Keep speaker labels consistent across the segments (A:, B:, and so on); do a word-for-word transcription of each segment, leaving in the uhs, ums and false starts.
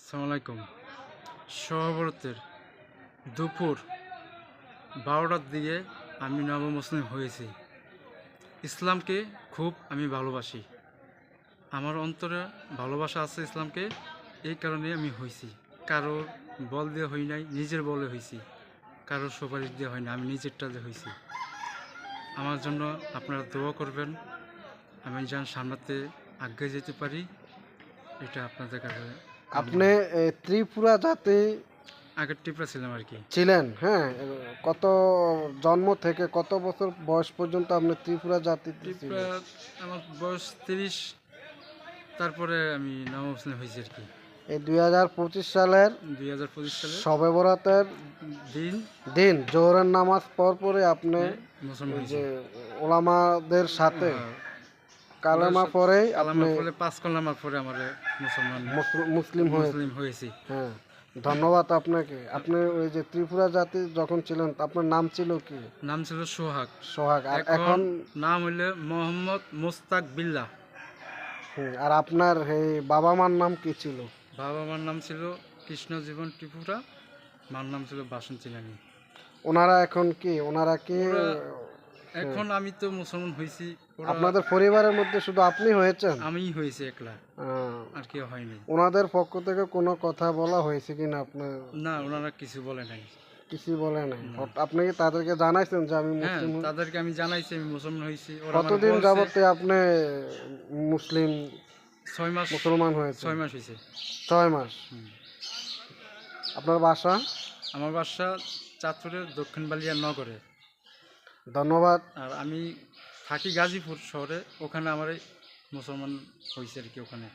A: আসসালামু আলাইকুম। সহবরাতের দুপুর বারোটার দিকে আমি নবমুসলিম হয়েছি। ইসলামকে খুব আমি ভালোবাসি। আমার অন্তরে ভালোবাসা আছে ইসলামকে, এই কারণে আমি হয়েছি। কারোর বল দিয়ে হই নাই, নিজের বলে হয়েছি। কারোর সুপারিশ দিয়ে হয় না, আমি নিজেরটা দিয়ে হয়েছি। আমার জন্য আপনারা দোয়া করবেন, আমি যেন সামনেতে আগে যেতে পারি, এটা আপনাদের কাছে।
B: আপনি এ, ত্রিপুরা জাতি
A: আগের টিপরা ছিলাম আর কি।
B: ছিলেন, হ্যাঁ? কত জন্ম থেকে কত বছর বয়স পর্যন্ত আপনি ত্রিপুরা জাতিতে
A: টিপরা
B: ছিলেন?
A: আমার বয়স তিরিশ, তারপরে আমি নবমুসলিম হয়েছি আর কি।
B: এই দুই হাজার পঁচিশ সালের
A: দুই হাজার পঁচিশ সালে
B: শবে বরাতের
A: দিন
B: দিন জোহরের নামাজ পর পরে আপনি
A: মুসলমান
B: এই
A: হয়েছি।
B: যে ওলামাদের সাথে
A: হ্যাঁ,
B: কালেমা পরে আপনি
A: কালামার পরে পাঁচ কলামার পরে আমার মুসলমান
B: মুসল- মুসলিম হয়ে
A: মুসলিম হয়েছি।
B: হ্যাঁ, ধন্যবাদ আপনাকে। আপনি ওই যে ত্রিপুরা জাতি যখন ছিলেন আপনার নাম ছিল কি?
A: নাম ছিল সোহাগ।
B: সোহাগ। আর
A: এখন
B: এখন
A: নাম হইলে মোহাম্মদ মুস্তাক বিল্লাহ।
B: হুম, আর আপনার এই বাবা মার নাম কি ছিল?
A: বাবা মার নাম ছিল কৃষ্ণজীবন ত্রিপুরা, মার নাম ছিল বাসন্তী রানী।
B: ওনারা এখন কি ওনারা কি
A: ওরা- এখন আমি তো মুসলমান হয়েছি, ওরা
B: আপনাদের পরিবারের মধ্যে শুধু আপনি হয়েছেন?
A: আমিই হয়েছি একলা,
B: আহ,
A: আর কেউ হয়নি।
B: ওনাদের পক্ষ থেকে কোনো কথা বলা হয়েছে কিনা আপনার?
A: না, ওনারা কিছু বলে নাই।
B: কিছু বলে নাই? আপনি কি তাদেরকে জানাইছেন যে আমি
A: হ্যাঁ,
B: মুসলিম হই?
A: তাদেরকে আমি জানাইছি আমি মুসলমান হয়েছি। ওরা আমাকে
B: কতদিন
A: বলছে
B: যাবতে আপনি মুসলিম
A: ছয় মাস
B: মুসলমান হয়েছে?
A: ছয় মাস হয়েছে।
B: ছয় মাস।
A: হুম।
B: আপনার বাসা?
A: আমার বাসা চাঁদপুরের দক্ষিণ বালিয়া নগরে,
B: ধন্যবাদ।
A: আর আমি থাকি গাজীপুর শহরে। ওখানে আমার এই মুসলমান হয়েছে আর কি ওখানে।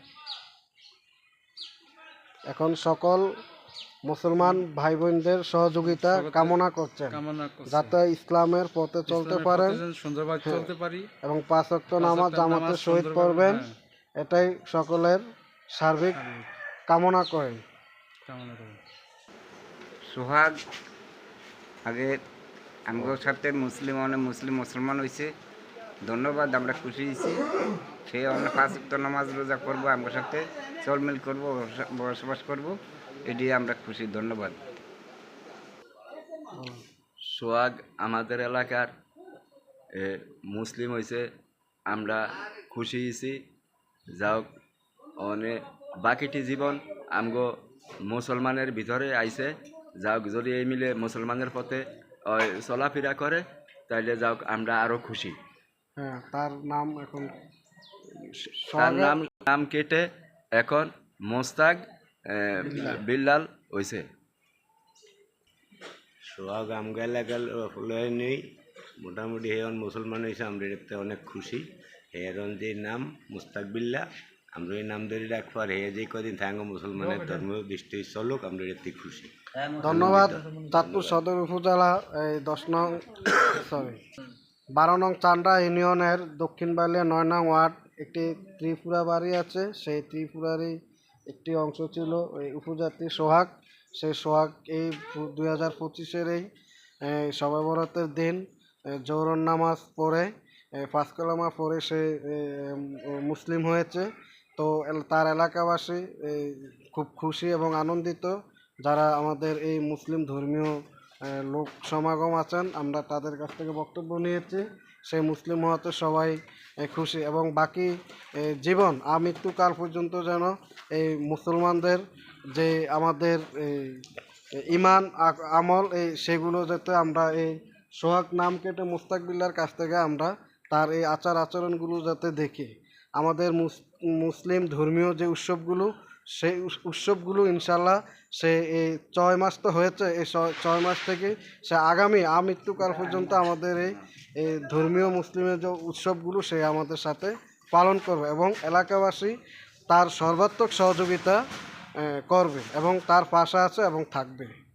B: এখন সকল মুসলমান ভাই বোনদের সহযোগিতা
A: সহযোগিতা
B: কামনা করছেন
A: কামনা করছি।
B: যাতে ইসলামের পথে চলতে
A: ইসলামের
B: পারেন
A: পথে যেন সুন্দরভাবে
B: হ্যাঁ।
A: চলতে পারি
B: এবং পাঁচ ওয়াক্ত
A: পাঁচ
B: নামাজ
A: ওয়াক্ত
B: জামাতের
A: নামাজ
B: সহিত
A: সুন্দরভাবে,
B: পড়বেন,
A: হ্যাঁ,
B: এটাই সকলের সার্বিক
A: আমি
B: কামনা করেন।
A: কামনা করি।
C: সোহাগ আগে আমগোর সাথে মুসলিম অনেক মুসলিম মুসলমান হয়েছে। ধন্যবাদ, আমরা খুশি হয়েছি। সেই অনেক পাঁচ ওয়াক্ত নামাজ রোজা করবো, আমগোর সাথে চলমিল করবো, বসবাস করবো, এটি আমরা খুশি। ধন্যবাদ।
D: সোহাগ আমাদের এলাকার এ, মুসলিম হয়েছে, আমরা খুশি হয়েছি। যাও অনেক বাকিটি জীবন আমগো মুসলমানের ভিতরে আইছে। যাও যদি এই মিলে মুসলমানের পথে ওই চলাফেরা করে তাইলে যাও আমরা আরও খুশি।
B: হ্যাঁ, তার নাম এখন
D: তার
B: সোহাগের-
D: নাম নাম কেটে এখন মোস্তাক এ, বিল্লাল হয়েছে।
E: সোহাগ আমগা এলাকার লয় নেই, মোটামুটি হেয়ন মুসলমান হয়েছে, আমরা এতে অনেক খুশি। হেয়ন যে নাম মুস্তাকবিল্লা, আমরা এই নাম ধরে রাখবো, আর হে যে কদিন থাঙ্গ মুসলমানের ধর্ম দৃষ্টি চলুক, আমরা এতে খুশি।
B: ধন্যবাদ। চাঁদপুর সদর উপজেলা এই দশ নং সরি বারো নং চান্ডা ইউনিয়নের দক্ষিণ বালিয়া নয় নং ওয়ার্ড একটি ত্রিপুরা বাড়ি আছে। সেই ত্রিপুরারই একটি অংশ ছিল এই উপজাতি সোহাগ। সেই সোহাগ এই দুই হাজার পঁচিশের এই শবে বরাতের দিন জোহর নামাজ পড়ে পাঁচ কালেমা পড়ে সে মুসলিম হয়েছে। তো তার এলাকাবাসী এই খুব খুশি এবং আনন্দিত। যারা আমাদের এই মুসলিম ধর্মীয় লোক সমাগম আছেন, আমরা তাদের কাছ থেকে বক্তব্য নিয়েছি। সেই মুসলিম হওয়াতে সবাই খুশি এবং বাকি জীবন আমৃত্যুকাল পর্যন্ত যেন এই মুসলমানদের যে আমাদের এই ইমান আমল এই সেগুলো যাতে আমরা এই সোহাগ নাম কেটে মুস্তাকবিল্লার কাছ থেকে আমরা তার এই আচার আচরণগুলো যাতে দেখি। আমাদের মুসলিম ধর্মীয় যে উৎসবগুলো সেই উৎসবগুলো ইনশাল্লাহ সে এই ছয় মাস তো হয়েছে, এই ছয় মাস থেকে সে আগামী আমৃত্যুকাল পর্যন্ত আমাদের এই ধর্মীয় মুসলিমের যে উৎসবগুলো সে আমাদের সাথে পালন করবে এবং এলাকাবাসী তার সর্বাত্মক সহযোগিতা করবে এবং তার পাশে আছে এবং থাকবে।